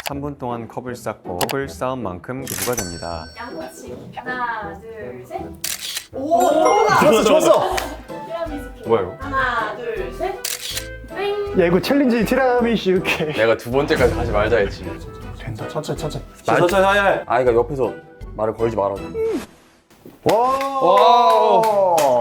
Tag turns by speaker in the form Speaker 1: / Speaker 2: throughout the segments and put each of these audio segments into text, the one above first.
Speaker 1: 3분 동안 컵을 쌓고 컵을 쌓은 만큼 기부가 됩니다.
Speaker 2: 양꼬치. 하나, 둘, 셋.
Speaker 3: 오, 좋았어.
Speaker 2: 티라미수 케이크.
Speaker 1: 뭐야 이거?
Speaker 2: 하나, 둘, 셋. 뺑.
Speaker 3: 야, 이거 챌린지 티라미슈 케이크.
Speaker 4: 내가 두 번째까지 가지 말자 했지.
Speaker 3: 된다.
Speaker 1: 천천히.
Speaker 4: 천천히 하야. 아, 이거 옆에서 말을 걸지 말아줘.
Speaker 3: 와.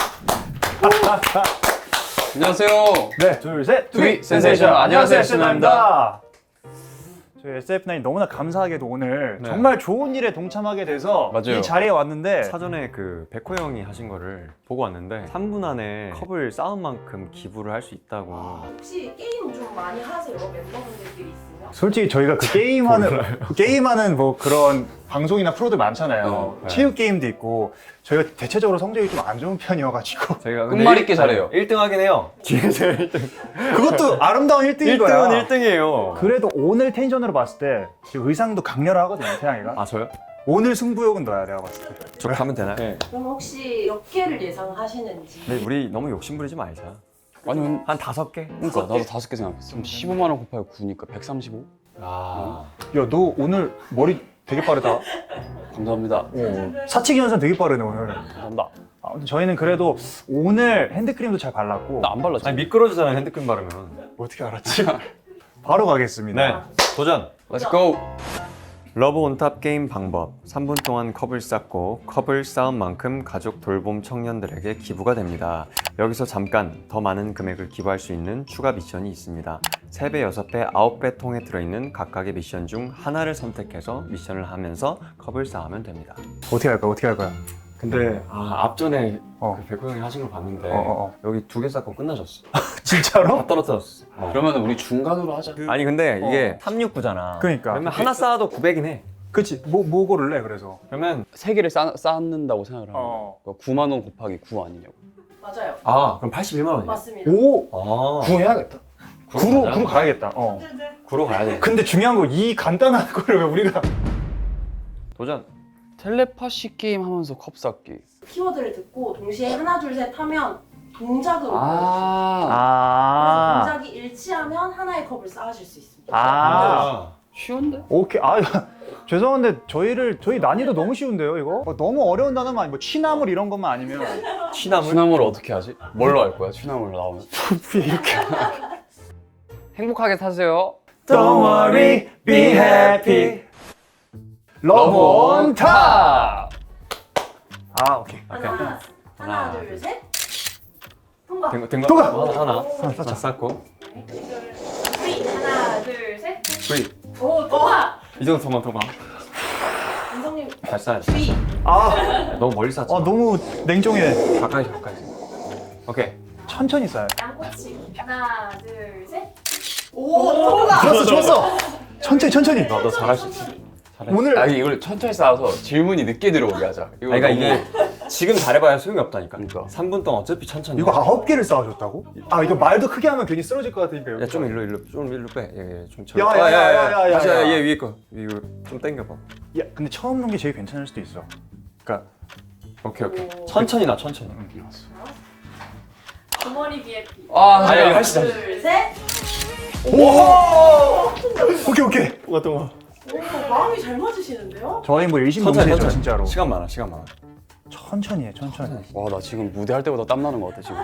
Speaker 4: 안녕하세요.
Speaker 3: 네, 둘, 셋.
Speaker 4: 투비 센세이션. 안녕하세요,
Speaker 3: SF9입니다. 저희 SF9 너무나 감사하게도 오늘
Speaker 1: 네.
Speaker 3: 정말 좋은 일에 동참하게 돼서
Speaker 4: 맞아요.
Speaker 3: 이 자리에 왔는데
Speaker 1: 사전에 그 백호 형이 하신 거를 보고 왔는데 3분 안에 컵을 쌓은 만큼 기부를 할 수 있다고.
Speaker 2: 혹시 게임 좀 많이 하세요? 멤버분들끼리 있으면?
Speaker 3: 솔직히 저희가 그 게임하는 뭐 그런 방송이나 프로들 많잖아요.
Speaker 1: 네.
Speaker 3: 체육 게임도 있고 저희가 대체적으로 성적이 좀 안 좋은 편이어가지고
Speaker 1: 제가
Speaker 4: 끝말 잇기 잘해요.
Speaker 1: 1등 하긴 해요. 뒤에서 1등.
Speaker 3: 그것도 아름다운 1등인 거야.
Speaker 1: 1등은 1등이에요.
Speaker 3: 그래도 오늘 텐션으로 봤을 때 지금 의상도 강렬하거든요, 태양이가.
Speaker 1: 아 저요?
Speaker 3: 오늘 승부욕은 너야, 내가 봤을 때.
Speaker 1: 저 가면 되나요?
Speaker 4: 네.
Speaker 2: 그럼 혹시 몇 개를 예상하시는지?
Speaker 1: 근데 우리 너무 욕심 부리지 말자.
Speaker 4: 아니,
Speaker 1: 한 5개?
Speaker 4: 그러니까 나도 5개 생각했어. 그럼 15만 원 곱하기 9니까 135?
Speaker 1: 아.
Speaker 3: 야, 너 오늘 머리 되게 빠르다.
Speaker 4: 감사합니다.
Speaker 3: 사치기 현상 되게 빠르네, 오늘.
Speaker 4: 감사합니다.
Speaker 3: 아무튼 저희는 그래도 오늘 핸드크림도 잘 발랐고.
Speaker 4: 나 안 발랐지?
Speaker 1: 아니 미끄러지잖아 핸드크림 바르면.
Speaker 3: 어떻게 알았지? 바로 가겠습니다.
Speaker 1: 네. 도전.
Speaker 4: Let's go.
Speaker 1: 러브 온탑 게임 방법. 3분 동안 컵을 쌓고 컵을 쌓은 만큼 가족 돌봄 청년들에게 기부가 됩니다. 여기서 잠깐 더 많은 금액을 기부할 수 있는 추가 미션이 있습니다. 3배, 6배, 9배 통에 들어있는 각각의 미션 중 하나를 선택해서 미션을 하면서 컵을 쌓으면 됩니다.
Speaker 3: 어떻게 할 거야, 어떻게 할 거야?
Speaker 1: 근데 앞전에
Speaker 3: 어.
Speaker 1: 그 백호 형이 하신 걸 봤는데
Speaker 3: 어.
Speaker 1: 여기 2개 쌓고 끝나셨어.
Speaker 3: 진짜로?
Speaker 1: 다 떨어졌어.
Speaker 4: 그러면 우리 중간으로 하자.
Speaker 1: 아니 근데 이게 369잖아.
Speaker 3: 그러니까.
Speaker 1: 그러면 하나 쌓아도 900인 해.
Speaker 3: 그치, 뭐 고를래, 그래서?
Speaker 1: 그러면
Speaker 4: 3개를 쌓는다고 생각을 하면
Speaker 3: 어.
Speaker 4: 9만 원 곱하기 9 아니냐고.
Speaker 2: 맞아요.
Speaker 1: 그럼 81만 원이야.
Speaker 2: 맞습니다.
Speaker 3: 오!
Speaker 1: 아.
Speaker 3: 9 해야겠다. 9로 가야겠다.
Speaker 1: 9로 가야 돼.
Speaker 3: 근데 중요한 거 이 간단한 거를 왜 우리가
Speaker 1: 도전.
Speaker 4: 텔레파시 게임 하면서 컵 쌓기.
Speaker 2: 키워드를 듣고 동시에 하나, 둘, 셋 하면 동작으로 보여주세요.
Speaker 4: 아.
Speaker 2: 그래서 동작이 일치하면 하나의 컵을 쌓으실 수 있습니다.
Speaker 4: 쉬운데?
Speaker 3: 오케이. 죄송한데 저희 난이도 너무 쉬운데요, 이거? 너무 어려운 단어만 아니고 취나물 이런 것만 아니면
Speaker 1: 취나물?
Speaker 4: 취나물 어떻게 하지? 뭘로 할 거야? 취나물 나오면.
Speaker 3: 이렇게.
Speaker 4: 행복하게 사세요.
Speaker 3: Don't worry, be happy. 러브 온 탑. 오케이.
Speaker 2: 하나, 둘, 셋. 통과.
Speaker 1: 된 거?
Speaker 3: 통과!
Speaker 1: 하나 쌓고.
Speaker 2: 하나, 둘, 셋.
Speaker 1: V.
Speaker 2: 오, 통과.
Speaker 1: 이 정도 도망.
Speaker 2: 인성님
Speaker 1: 잘 쌓아야지.
Speaker 2: V.
Speaker 1: 너무 멀리 쌓지 마.
Speaker 3: 너무 냉정해.
Speaker 1: 가까이. 오케이.
Speaker 3: 천천히 쌓아요.
Speaker 2: 양꼬치. 하나, 둘, 셋. 오, 통과.
Speaker 3: 좋았어. 천천히.
Speaker 1: 너 잘할 수 있어. 잘해.
Speaker 3: 오늘
Speaker 4: 이걸 천천히 쌓아서 질문이 늦게 들어오게 하자.
Speaker 1: 그러니까 이게 지금 잘해봐야 소용이 없다니까.
Speaker 4: 그러니까.
Speaker 1: 3분 동안 어차피 천천히.
Speaker 3: 이거 9개를 쌓아줬다고? 이거 말도 크게 하면 괜히 쓰러질 것 같으니까.
Speaker 1: 야, 좀 일로 빼. 좀
Speaker 3: 야.
Speaker 1: 다시 얘 위에 거. 이거 좀 당겨봐.
Speaker 3: 야, 근데 처음 놓은 게 제일 괜찮을 수도 있어. 그러니까
Speaker 1: 오케이.
Speaker 2: 오.
Speaker 1: 천천히 나 천천히.
Speaker 2: 주머니 VIP.
Speaker 1: 아니, 하시죠.
Speaker 2: 둘, 셋.
Speaker 3: 오케이.
Speaker 1: 동아.
Speaker 2: 오, 마음이 잘 맞으시는데요?
Speaker 3: 저희 뭐 일심동체죠, 진짜로.
Speaker 1: 시간 많아.
Speaker 3: 천천히 해.
Speaker 4: 와, 나 지금 무대할 때보다 땀 나는 것 같아, 지금.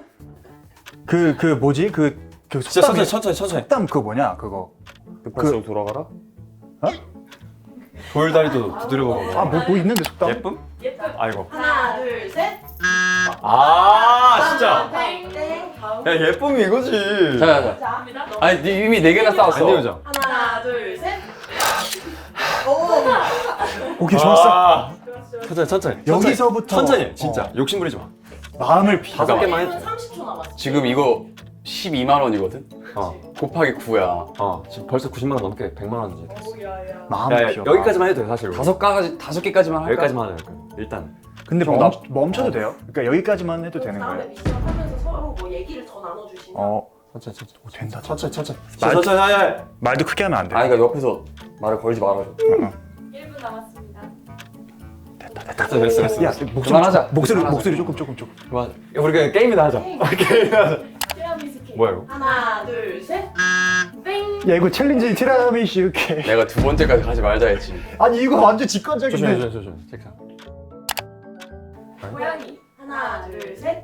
Speaker 3: 그 뭐지? 그
Speaker 1: 진짜
Speaker 3: 속담이-
Speaker 1: 천천히.
Speaker 3: 속담 그거 뭐냐? 그거.
Speaker 4: 급할수록 돌아가라?
Speaker 1: 돌다리도 두드려보고.
Speaker 3: 뭐 있는데 속담?
Speaker 1: 예쁨?
Speaker 2: 예쁜.
Speaker 1: 아이고.
Speaker 2: 하나, 둘, 셋.
Speaker 1: 진짜.
Speaker 2: 땡. 다음.
Speaker 1: 야, 예쁨이 이거지.
Speaker 4: 자.
Speaker 2: 자, 합니다.
Speaker 4: 아니, 이미 4개나 쌓았어.
Speaker 1: 안 되죠.
Speaker 2: 하나, 둘, 셋. 오.
Speaker 3: 오케이, 좋았어.
Speaker 1: 천천히.
Speaker 3: 여기서부터
Speaker 1: 천천히. 진짜 욕심 부리지 마.
Speaker 3: 마음을 비.
Speaker 1: 5개만 해.
Speaker 2: 30초 남았어.
Speaker 4: 지금 이거 12만 원이거든?
Speaker 1: 어.
Speaker 4: 곱하기 9야.
Speaker 1: 지금 벌써 90만 원 넘게 100만 원이지.
Speaker 2: 오야야.
Speaker 3: 마음을 비워.
Speaker 1: 여기까지만 해도 돼 사실.
Speaker 4: 5개까지만 할까?
Speaker 1: 여기까지만 해도 돼. 일단.
Speaker 3: 근데
Speaker 4: 정답.
Speaker 3: 멈춰도 돼요? 그러니까 여기까지만 해도 되는
Speaker 2: 다음에
Speaker 3: 거예요?
Speaker 2: 미션 하면서 서로 뭐 얘기를 더 나눠주시면.
Speaker 1: 천천히.
Speaker 3: 된다.
Speaker 1: 천천히.
Speaker 3: 말도 크게 하면 안 돼.
Speaker 4: 그러니까 옆에서 말을 걸지 말아줘.
Speaker 2: 1분 남았습니다.
Speaker 1: 됐어.
Speaker 3: 야,
Speaker 4: 그만하자.
Speaker 3: 목소리 조금.
Speaker 1: 그만. 우리 그냥 게임이나 하자.
Speaker 2: 티라미수 케이크.
Speaker 3: 뭐야 이거?
Speaker 2: 하나, 둘, 셋. 땡.
Speaker 3: 야 이거 챌린지 티라미슈 이렇게.
Speaker 4: 내가 두 번째까지 가지 말자 했지.
Speaker 3: 아니 이거 완전 직관적인데.
Speaker 1: 조심. 책상.
Speaker 2: 고양이. 하나, 둘, 셋.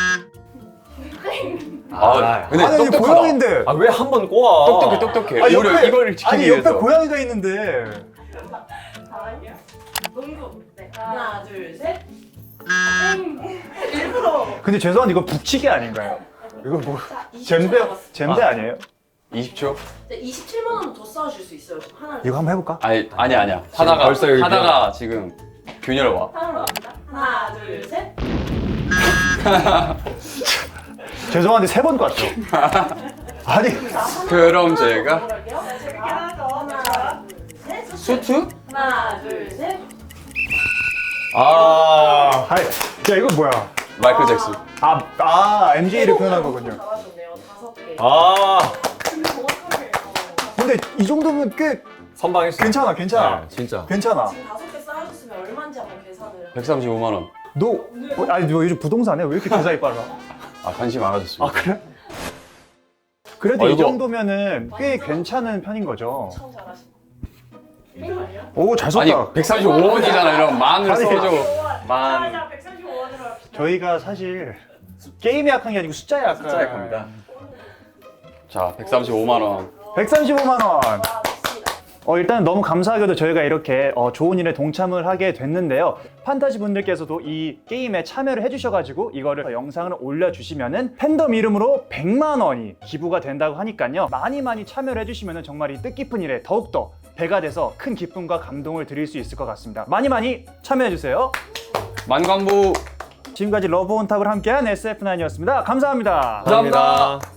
Speaker 2: 땡.
Speaker 4: 근데
Speaker 3: 아니 이게
Speaker 4: 똑똑하다.
Speaker 3: 고양인데.
Speaker 1: 아 왜 한 번 꼬아?
Speaker 4: 똑똑해.
Speaker 3: 아니,
Speaker 4: 우리 이걸 지키기
Speaker 3: 아니
Speaker 4: 위해서.
Speaker 3: 옆에 고양이가 있는데.
Speaker 2: 다음이요. 농구. 네. 하나, 둘, 셋. 땡. 일부러.
Speaker 3: 근데 죄송한데 이거 북치기 아닌가요? 이거 뭐
Speaker 2: 자, 20초
Speaker 3: 잼대
Speaker 2: 남았어요.
Speaker 3: 잼대 아니에요?
Speaker 4: 20초?
Speaker 2: 네, 27만 원 더 쌓아줄 수 있어요. 지금 하나.
Speaker 3: 이거 한번 해볼까?
Speaker 4: 아니야.
Speaker 1: 지금 벌써 여기
Speaker 4: 하다가 지금 균열 와.
Speaker 2: 하나로 갑니다. 하나, 둘, 셋.
Speaker 3: 죄송한데 세 번 깠죠. 아니
Speaker 4: 그럼 제가
Speaker 2: 해볼게요. 재밌게 하죠. 하나, 둘, 셋.
Speaker 4: 수트?
Speaker 2: 하나, 둘, 셋.
Speaker 3: 아니 야 이거 뭐야?
Speaker 4: 마이클 잭슨.
Speaker 3: MJ를 표현한 거군요.
Speaker 2: 잘하셨네요. 5개.
Speaker 1: 아
Speaker 2: 근데 정확하게.
Speaker 3: 근데 이 정도면 꽤
Speaker 1: 선방했어.
Speaker 3: 괜찮아.
Speaker 1: 네, 진짜.
Speaker 3: 괜찮아.
Speaker 2: 지금 5개 쌓아줬으면 얼마인지 한번 계산을.
Speaker 4: 135만 원.
Speaker 3: 아니 너 요즘 부동산에 왜 이렇게 계산이 빨라?
Speaker 4: 관심 많아졌습니다.
Speaker 3: 그래? 그래도 이
Speaker 1: 이거-
Speaker 3: 정도면은 꽤 괜찮은 편인 거죠.
Speaker 2: 엄청 잘하신 거. 아니요?
Speaker 3: 오 잘
Speaker 4: 아니
Speaker 3: 썼다.
Speaker 4: 135원이잖아. 이런 만을
Speaker 3: 아니,
Speaker 4: 써줘.
Speaker 2: 만. 135원으로 합시다.
Speaker 3: 저희가 사실 게임에 약한 게 아니고 숫자에 약한.
Speaker 4: 숫자에 겁니다. 자, 135만 원.
Speaker 3: 135만 원.
Speaker 2: 와, 좋습니다.
Speaker 3: 일단 너무 감사하게도 저희가 이렇게 좋은 일에 동참을 하게 됐는데요. 판타지 분들께서도 이 게임에 참여를 해주셔가지고 이거를 영상을 올려주시면은 팬덤 이름으로 100만 원이 기부가 된다고 하니까요. 많이 참여를 해주시면은 정말 이 뜻깊은 일에 더욱더 배가 돼서 큰 기쁨과 감동을 드릴 수 있을 것 같습니다. 많이 참여해주세요.
Speaker 4: 만관부.
Speaker 3: 지금까지 러브 온 탑을 함께한 SF9이었습니다. 감사합니다.
Speaker 4: 감사합니다.